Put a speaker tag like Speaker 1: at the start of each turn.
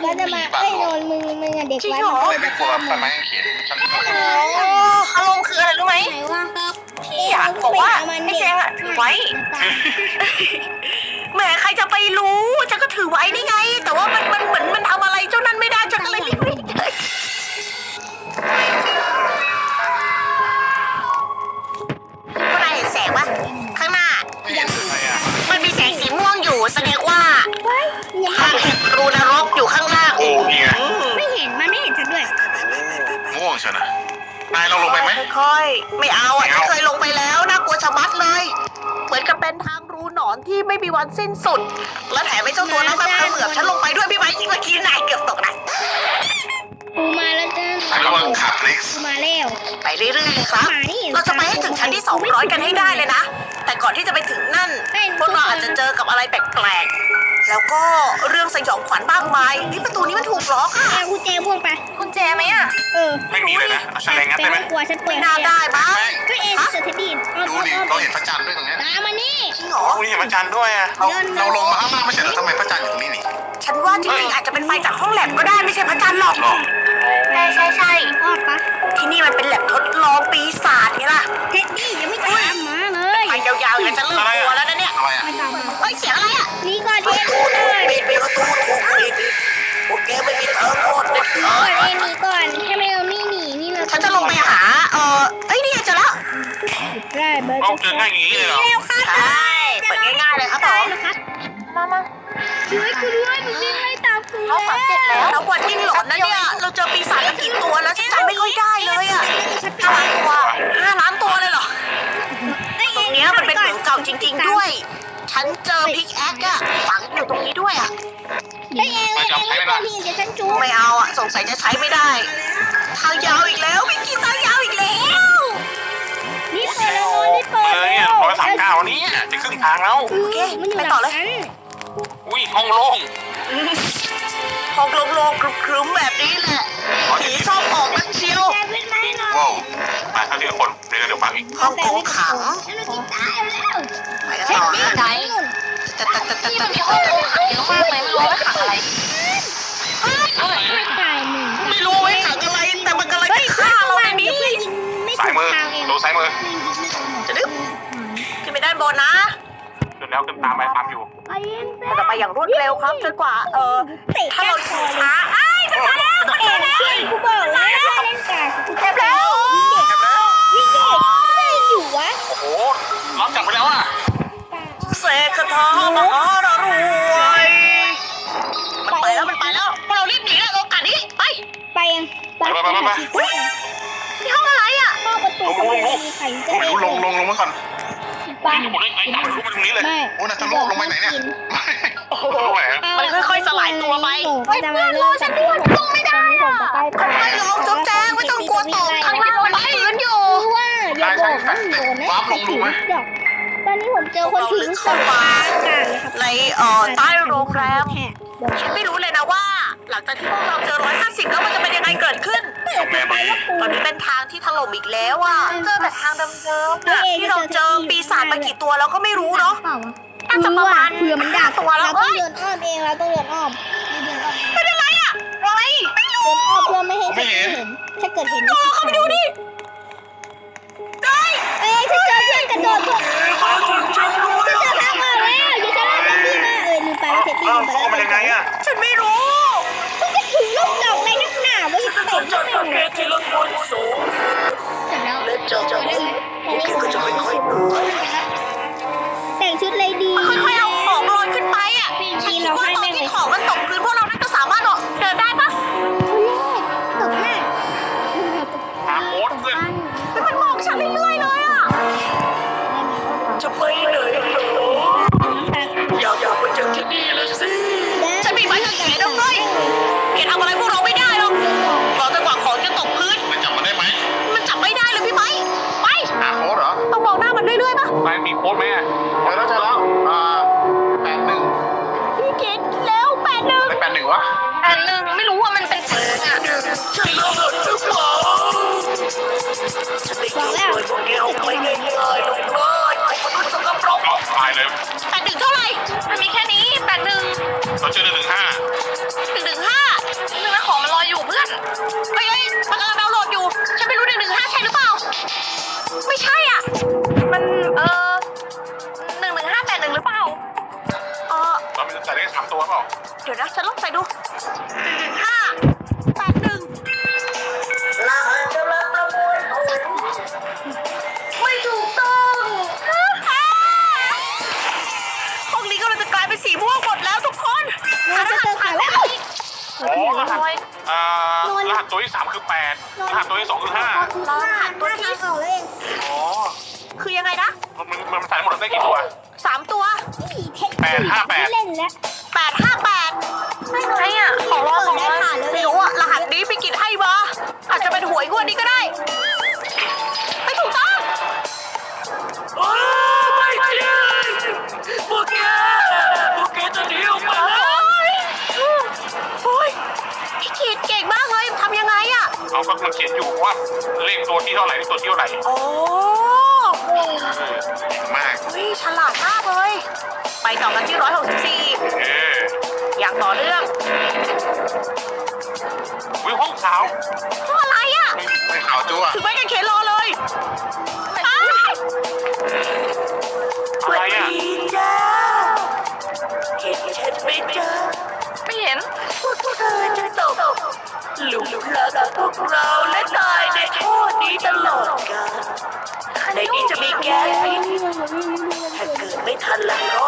Speaker 1: ก็จะมาโดนมึงอะเด็กวัด
Speaker 2: ไม่กลัวทำไมเขียนฉัน
Speaker 3: อารมณ์คืออะไรรู้ไหม
Speaker 1: ไหนว่า
Speaker 3: พี่อยากบอกว่าให้แจงอะถือไว้แหมใครจะไปรู้ฉันก็ถือไว้นี่ไง แต่ว่ามันเหมือนมันทำอะไรเจ้านั้นไม่ได้ฉันก็เลยรีบวิ่งเลยพวกนายเห็นแสงปะข้างหน้า
Speaker 2: ไม่เห็นอะไรอ่ะ
Speaker 3: มันมีแสงสีม่วงอยู่แสดงว่าทางรูนรกอยู่ข้างล่าง
Speaker 2: โอ้นี่ไง
Speaker 1: ไม่เห็นมันไม่เห็นฉันด้วย
Speaker 2: ม่วงเชียวนะนายเราลงไปไหม
Speaker 3: ค่อยๆไม่เอาอ่ะฉันเคยลงไปแล้วน่ากลัวชะมัดเลย เหมือนกับเป็นทางรูหนอนที่ไม่มีวันสิ้นสุด และแถมไอ้เจ้าตัวนั้นมันเขมือบฉันลงไปด้วยพี่ไม้เมื่อกี้นายเกือบตกนะ
Speaker 1: กูมาแล้วจ้า
Speaker 2: ใช้ระวังขาพลิก
Speaker 1: กูมาแล้ว
Speaker 3: ไปเรื่อยๆครับ เราจะไปให้ถึงชั้นที่200กันให้ได้เลยนะ แต่ก่อนที่จะไปถึงนั่น พวกเราอาจจะเจอกับอะไรแปลกๆ แล้วก็เรื่องสยองขวัญมากมายนี่ประตูนี้มันถูกล็อกอะ
Speaker 1: เอากุญแจพ่วงไป
Speaker 3: คุณแจไหมอะ
Speaker 2: ไม่มีเลยนะเอาแฉลงงัดได้ไหม
Speaker 1: กลัวฉันเปิ
Speaker 3: ไม่
Speaker 1: ด
Speaker 3: น่าได้บ้าง
Speaker 1: ก็เอ็นเซอร์เทดีน
Speaker 2: ดูดิเราเห็นพระจันทร์ด้วยตรงนี้
Speaker 1: ตามมานี่
Speaker 3: จริงเหรอ
Speaker 2: โอ้นี่เห็นพระจันทร์ด้วยอ่ะเราลงมาข้างล่างไม่ใช่เหรอทำไมพระจันทร์อยู่ตรงนี้นี่
Speaker 3: ฉันว่าจริงๆอาจจะเป็นไฟจากห้องแลบก็ได้ไม่ใช่พระจันทร์หรอก
Speaker 2: หรอ
Speaker 3: ใช่
Speaker 1: อ้อปะ
Speaker 3: ที่นี่มันเป็นแลบทดลองปีศาจไงล่ะ
Speaker 1: เท็ดดี้ยังไม่ตามมาเลย
Speaker 3: ไปยาวๆอย่าจะเริ่มกลัวแล้วนะเนี่ย
Speaker 2: อะไรอ่ะ
Speaker 1: ไม่ตามมา
Speaker 3: เฮ้ยเสียงอะไรอะ
Speaker 1: นี่ก่อนเอ็น
Speaker 3: ถูก
Speaker 1: ก่อน
Speaker 3: ปิดประตูถูกปิดพวกแกไม่มีทางรอดเด็ดขา
Speaker 1: ก่อน
Speaker 3: ด
Speaker 1: เอ็นนี่ก่อนถ้าไม่เอานี่หนีนี่เรา
Speaker 3: ฉันจะลงไปหาเอ้ยนี่เจอแล้ว
Speaker 1: ได้เบอร์
Speaker 2: เอาเจอง่ายอย่างนี้เลยเหรอ
Speaker 1: แล้วค่ะ
Speaker 3: ใช่เปิดง่ายๆเลยครับผม
Speaker 1: นะครับ
Speaker 3: มา
Speaker 1: ช่วยกูด้วยมันวิ่งไล่ตามกู
Speaker 3: เอาฝังเสร็จแล้วแล้ววันยิ่งหลอนนะเนี่ยเราเจอปีศาจมากี่ตัวแล้วฉันจำไม่ค่อยได้เลยอะ5 ล้านตัวเลยเหรอตรงเนี้ยมันเป็นเหมืองเก่าจริง ๆด้วย ฉันเจอพิกแอคอะฝังอยู่ตรงนี้ด้วยอะ
Speaker 1: ไอ้เอ็นไม่ตัวทีเดี๋ยวฉันจูบ
Speaker 3: ไม่เอาอะสงสัยจะใช้ไม่ได้ทางยาวอีกแล้ววิกิทางยาวอีกแล้ว
Speaker 1: นี่เปิดแล้วนี่เปิด
Speaker 2: เลยเนี่ย139นี่จะครึ่งทางแล้ว
Speaker 1: โอเคมันอยู่หลังฉัน
Speaker 2: อุ้ยห้องโล่ง
Speaker 3: ห้องโล่งๆครึ้มๆแบบนี้แหละผีชอบออกนักเชียว
Speaker 1: แต่เป็นไม้หน่อย
Speaker 2: ว้าวมาเท่าที่คนเดี๋ยวฟังอีก
Speaker 3: ห้องโกงขัง
Speaker 1: แล้วเรากินตายแล้ว
Speaker 3: ไปกันต่อนะ
Speaker 4: ที่มันมีห้องโถงขังเยอะมากเลยไม่รู้ว่าขังอะไร
Speaker 1: ไม่ตายหนึ่ง
Speaker 3: ไม่รู้ไว้ขังอะไรแต่มันกำลังจะฆ่าเราในนี้
Speaker 1: ไม่
Speaker 2: ซ้า
Speaker 1: ถู
Speaker 2: ย
Speaker 1: ก
Speaker 2: มือ
Speaker 1: ทางเอง
Speaker 2: ดูซ้ายมือ
Speaker 3: จะดึ๊บขึ้นไปด้านบนนะ
Speaker 2: จนแล้วขึ้นตามไปตามอยู่
Speaker 1: ไอ้เอ็น
Speaker 3: เราจะไปอย่างรวดเร็วครับจนกว่าถ้าเราช้าจะมาแล้ว
Speaker 1: เอ็นกูบอกแล้วเล่นกากู
Speaker 3: เจ็บแล้ว
Speaker 1: วิ่งเด็กไม่อยู่วะ
Speaker 2: โอ้โหรับจับไปแล้วอ่ะ
Speaker 3: เสกคาถามหารวยมันไปแล้วพวกเรารีบหนีแล้วเรากัดนี้ไป
Speaker 1: ไปยังไป
Speaker 3: ที่ห้องอะไรอ่ะ
Speaker 1: เข้าประตูมีใครจะ
Speaker 2: ไม่รู้ลงมาก่อน
Speaker 1: ไป
Speaker 2: ไม่รู้ได้ไงอยากรู้มาตรงนี้เลย
Speaker 1: ไม่
Speaker 2: โอ้น่าจะลงไปไหนเนี่ย
Speaker 3: โอ้โห
Speaker 2: ลงไปไหน
Speaker 3: มันค่อยๆสลายตัวไป
Speaker 1: จะมาเริ่มฉันด้วยลงไม่ได้อะ
Speaker 3: ไม่ลงจุ๊บแจ้งไม่ต้องกลัวตกข้างล่างมันพื้นอยู่
Speaker 1: ว่าอย่าบอกว่าโดนนะตอนนี้ผมเจอคนทิ้งสองการเลยครับ
Speaker 3: ในใต้โรงแรมฉันไม่รู้เลยนะว่า หลังจากที่พวกเราเจอ150แล้วมันจะเป็นยังไงเกิดขึ้น
Speaker 2: แม่มาดี
Speaker 3: ตอนนี้เป็นทางที่ถล่มอีกแล้วอ่ะเจอแต่ทางเดิมๆอะที่เราเจอปีศาจมากี่ตัวแล้วก็ไม่รู้เนาะ น่าจะประมาณ
Speaker 1: เผื่อมันดัก
Speaker 3: ตัวแล้ว
Speaker 1: เราต้องเดินอ้อมเองเราต้องเดินอ้อม
Speaker 3: เป็นอะไรอ่ะอะไรไม่รู้
Speaker 1: เดินอ้อมเพื่อไม่ให้เห็นถ้าเกิดเห็น
Speaker 3: เข้าไปดูดิได้
Speaker 1: เอ้ยฉันเจอเพื่อนกระโดดเพื่อนฉันเจอทางออกแล้วอย่าจะเล่นเท็ดดี้มาลืมไปว่าเท็ดดี้
Speaker 2: เข้ามายังไงอ่ะ
Speaker 3: ฉันไม่รู้
Speaker 1: คุณจะถือลูกดอกในนักหนาว่าจะเตะไม่เป็นไร
Speaker 3: ที่รถบนสูง
Speaker 1: เสร็จแล้ว
Speaker 3: และเจอก็จะค่อยๆเดิน
Speaker 1: แต่งชุดเลยดี
Speaker 3: ค่อยๆเอาของลอยขึ้นไปอ่ะฉันคิดว่าตอนที่ของมันตกพื้นพวกเราน่าจะสามารถเดินได้ปะ
Speaker 1: ตกหน้า
Speaker 2: หาโค้ดเพื่อน
Speaker 3: มันมองฉันเรื่อยๆเลยอ่ะจะไปไหนอยากไปจากที่นี่เลยสิฉันมีไม้กางเขนด้วยเกทำอะไรพวกเราไม่ได้หรอกรอจนกว่าของจะตกพื้น
Speaker 2: มันจับมันได้ไหม
Speaker 3: มันจับไม่ได้เลยพี่ไม้ไป
Speaker 2: หาโค้ดเหรอ
Speaker 3: ต้องมองหน้ามันเรื่อยๆปะ
Speaker 2: นายมีโค้ดไหมอ่ะเจอแล้ว81
Speaker 3: พี่เกดแล้ว81
Speaker 2: ไม่81วะ
Speaker 4: อันหนึ่งไม่รู้ว่ามันเป็นสีอ่ะ
Speaker 3: ใช่แล้วหรือเปล่าฉันไม่ช่วยพวกแกเอาไปง่ายๆหรอกเลยไอ้มนุษย์สกปรก
Speaker 2: เอาตายเลย
Speaker 3: 81เท่าไหร่
Speaker 4: มันมีแค่นี้81
Speaker 2: เราเจอ115
Speaker 3: 115 เดี๋ยวนะฉันลองใส่ดู5 8 1รหัสกำลังประมวลผลไม่ถูกต้องห้องนี้กำลังจะกลายเป็นสีม่วงหมดแล้วทุกคน
Speaker 1: เราจะเจอใครวะ
Speaker 2: อ๋อรหัสตัวที่3คือ8รหัสตัวที่2คือ5
Speaker 1: เราหันตัวที่ออกเลย
Speaker 2: อ๋อ
Speaker 3: คือยังไงนะ
Speaker 2: มันใส่หมดได้กี่ตัว
Speaker 3: 3 ตัว
Speaker 1: นี่เทคนิคที่เล่นแล้ว
Speaker 3: 858
Speaker 1: ไม่ใช่อ่ะของเราของเราผ่านเลย
Speaker 3: ไม่รู้อะรหัสนี้พี่กิจให้มาอาจจะเป็นหวยงวดนี้ก็ได้ ไม่ถูกต้องไม่จริงพวกแกจะหนีออกมาโอ้ยพี่กิจเก่งมากเลยทำยังไงอะ
Speaker 2: เขาก็มันเขียนอยู่ว่าเลขตัวที่เท่าไหร่เลขตัวที่เท่าไหร่
Speaker 3: โอ้
Speaker 2: เก่งมาก
Speaker 3: เฮ้ยฉลาดมากเลย ไปต่อกันที่164 อย่างต่อเนื่อง
Speaker 2: วิวห้องสาว
Speaker 3: เพราะอะไรอะ
Speaker 2: ไม่ขาวจั่ว
Speaker 3: ถือไม้กางเขนรอเลยไป
Speaker 2: อะไรอ่ะ
Speaker 3: จ้าเห็นฉันไหมจ้า
Speaker 4: ไม่เห็น
Speaker 3: พวกเธอจะตกหลุมรักพวกเราและตายในโทษนี้ตลอดกาลในนี้จะมีแก๊สพิษถ้าเกิดไม่ทันละรอ